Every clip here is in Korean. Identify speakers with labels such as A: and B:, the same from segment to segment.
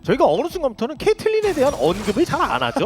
A: 저희가 어느 순간부터는 케이틀린에 대한 언급을 잘 안 하죠.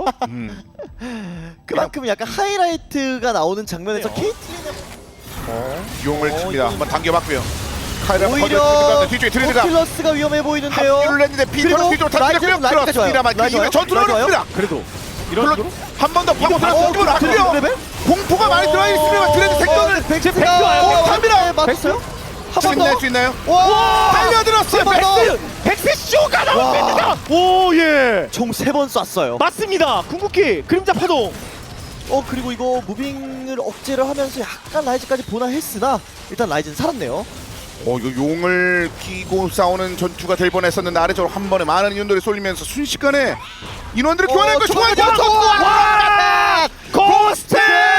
B: 그만큼 약간 하이라이트가 나오는 장면에서
A: 그래요.
B: 케이틀린의
C: 용을 칩니다. 한번 당겨봤고요. 카이라
B: 오히려
C: 뒤쪽에 트레드가
B: 포킬러스가 위험해 보이는데요.
C: 합류를 했는데 피터는 뒤쪽으로 다시 들었습니다만 이후에 전투를 어렵습니다.
A: 그래도 이런 식으로
C: 한 번 더 파고
B: 어,
C: 들어서 놨고요.
B: 레벨?
C: 공포가 많이 들어가 있습니다. 트레드 생존을
B: 백스가
C: 갑니다.
B: 맞았어요? 한 번
C: 끝낼
B: 더.
C: 수 있나요?
B: 와!
C: 달려들었어요.
B: 한번 더.
A: 백스 쇼가
B: 와.
A: 나옵니다. 오 예.
B: 총 3번 쐈어요.
A: 맞습니다. 궁극기 그림자 파동.
B: 그리고 이거 무빙을 억제를 하면서 약간 라이즈까지 보나했으나 일단 라이즈는 살았네요.
C: 이거 용을 끼고 싸우는 전투가 될 뻔했었는데 아래쪽으로 한 번에 많은 인원들이 쏠리면서 순식간에 인원들을 교환했고 중앙에
A: 와! 고스트!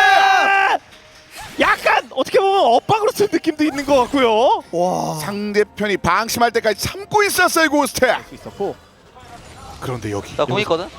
A: 약간 어떻게 보면 엇박으로 쓴 느낌도 있는 것 같고요.
B: 와.
C: 상대편이 방심할 때까지 참고 있었어요 고스트.
A: 있었고.
C: 그런데 여기
D: 나 공 있거든?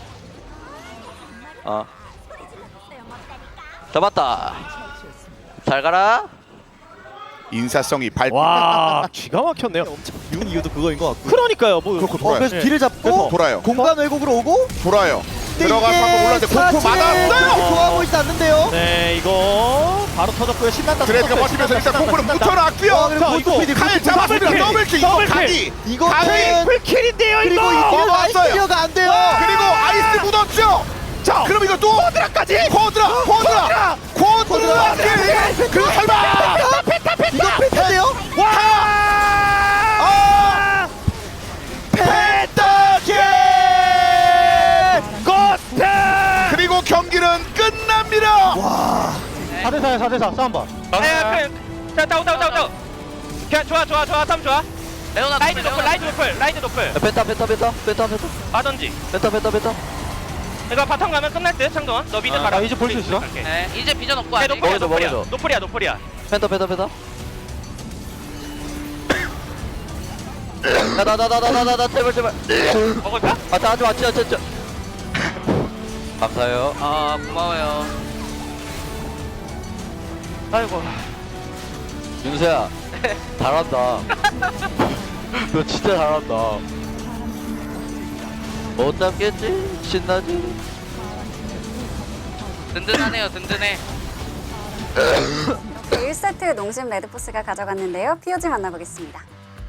D: 잡았다. 잘 가라.
C: 인사성이 발
A: 와 기가 막혔네요.
B: 엄청 비운 이유도 그거인 것 같고.
A: 그러니까요. 뭐
C: 그렇고 돌아요.
B: 그래서
A: 네.
B: 뒤를 잡고
A: 그래서
C: 돌아요.
B: 공간 왜곡으로 오고
C: 돌아요.
B: 근데
C: 들어가서
B: 이게
C: 한번 올랐는데 공포
B: 사실은
C: 맞았어요.
B: 좋아 보이지 않는데요.
A: 네 이거 바로 터졌고요. 신난다.
C: 드레드가 버티면서 일단 공포를 묻혀놨고요.
B: 그리고
A: 자,
B: 고스트
A: 이거
B: PD,
C: 칼
B: 고스트
C: 잡았습니다.
B: PD.
C: 더블킬 이거
A: 더블킬.
C: 각이.
B: 이거는
A: 풀킬인데요
B: 그리고
A: 이거.
B: 이게 라이즈
C: 왔어요.
B: 클리어가 안 돼요.
C: 그리고 아이스 묻었죠.
A: 자
C: 그럼 이거 또
A: 코드라까지.
C: 코드라 그리고 설마
B: 이거 펜타인데요?
A: 와!
C: 펜타킬
A: 고스트!
C: 그리고 경기는 끝납니다.
A: 4대4야 4대4 싸움 봐.
E: 자, 다운. 그냥 좋아. 탐 좋아. 라이드 노플.
D: 펜타.
E: 하던지.
D: 펜타.
E: 이거 바텀 가면 끝날 듯, 창동원. 너 미드 가라.
A: 이제 볼 수 있어?
E: 네,
F: 이제 비전 없고
E: 네,
F: 아직
D: 먹어줘.
E: 노플이야.
D: 펜타. 나 제발.
E: 먹을까?
D: 하지마. 감사해요.
F: 아 고마워요.
E: 아이고.
D: 윤수야, 잘한다. 너 진짜 잘한다. 못 잡겠지? 신나지?
F: 든든하네요, 든든해.
G: 1세트 농심 레드포스가 가져갔는데요. POG 만나보겠습니다.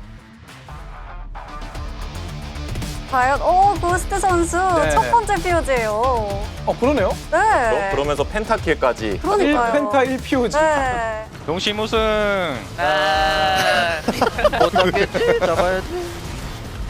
G: 과연 고스트 선수 첫 번째 POG예요.
H: 그러네요.
G: 네.
H: 그러면서 펜타킬까지.
G: 그러니까요.
H: 펜타 1POG.
G: 네.
E: 용심 우승.
F: 아,
D: 못 잡겠지? 잡아야지.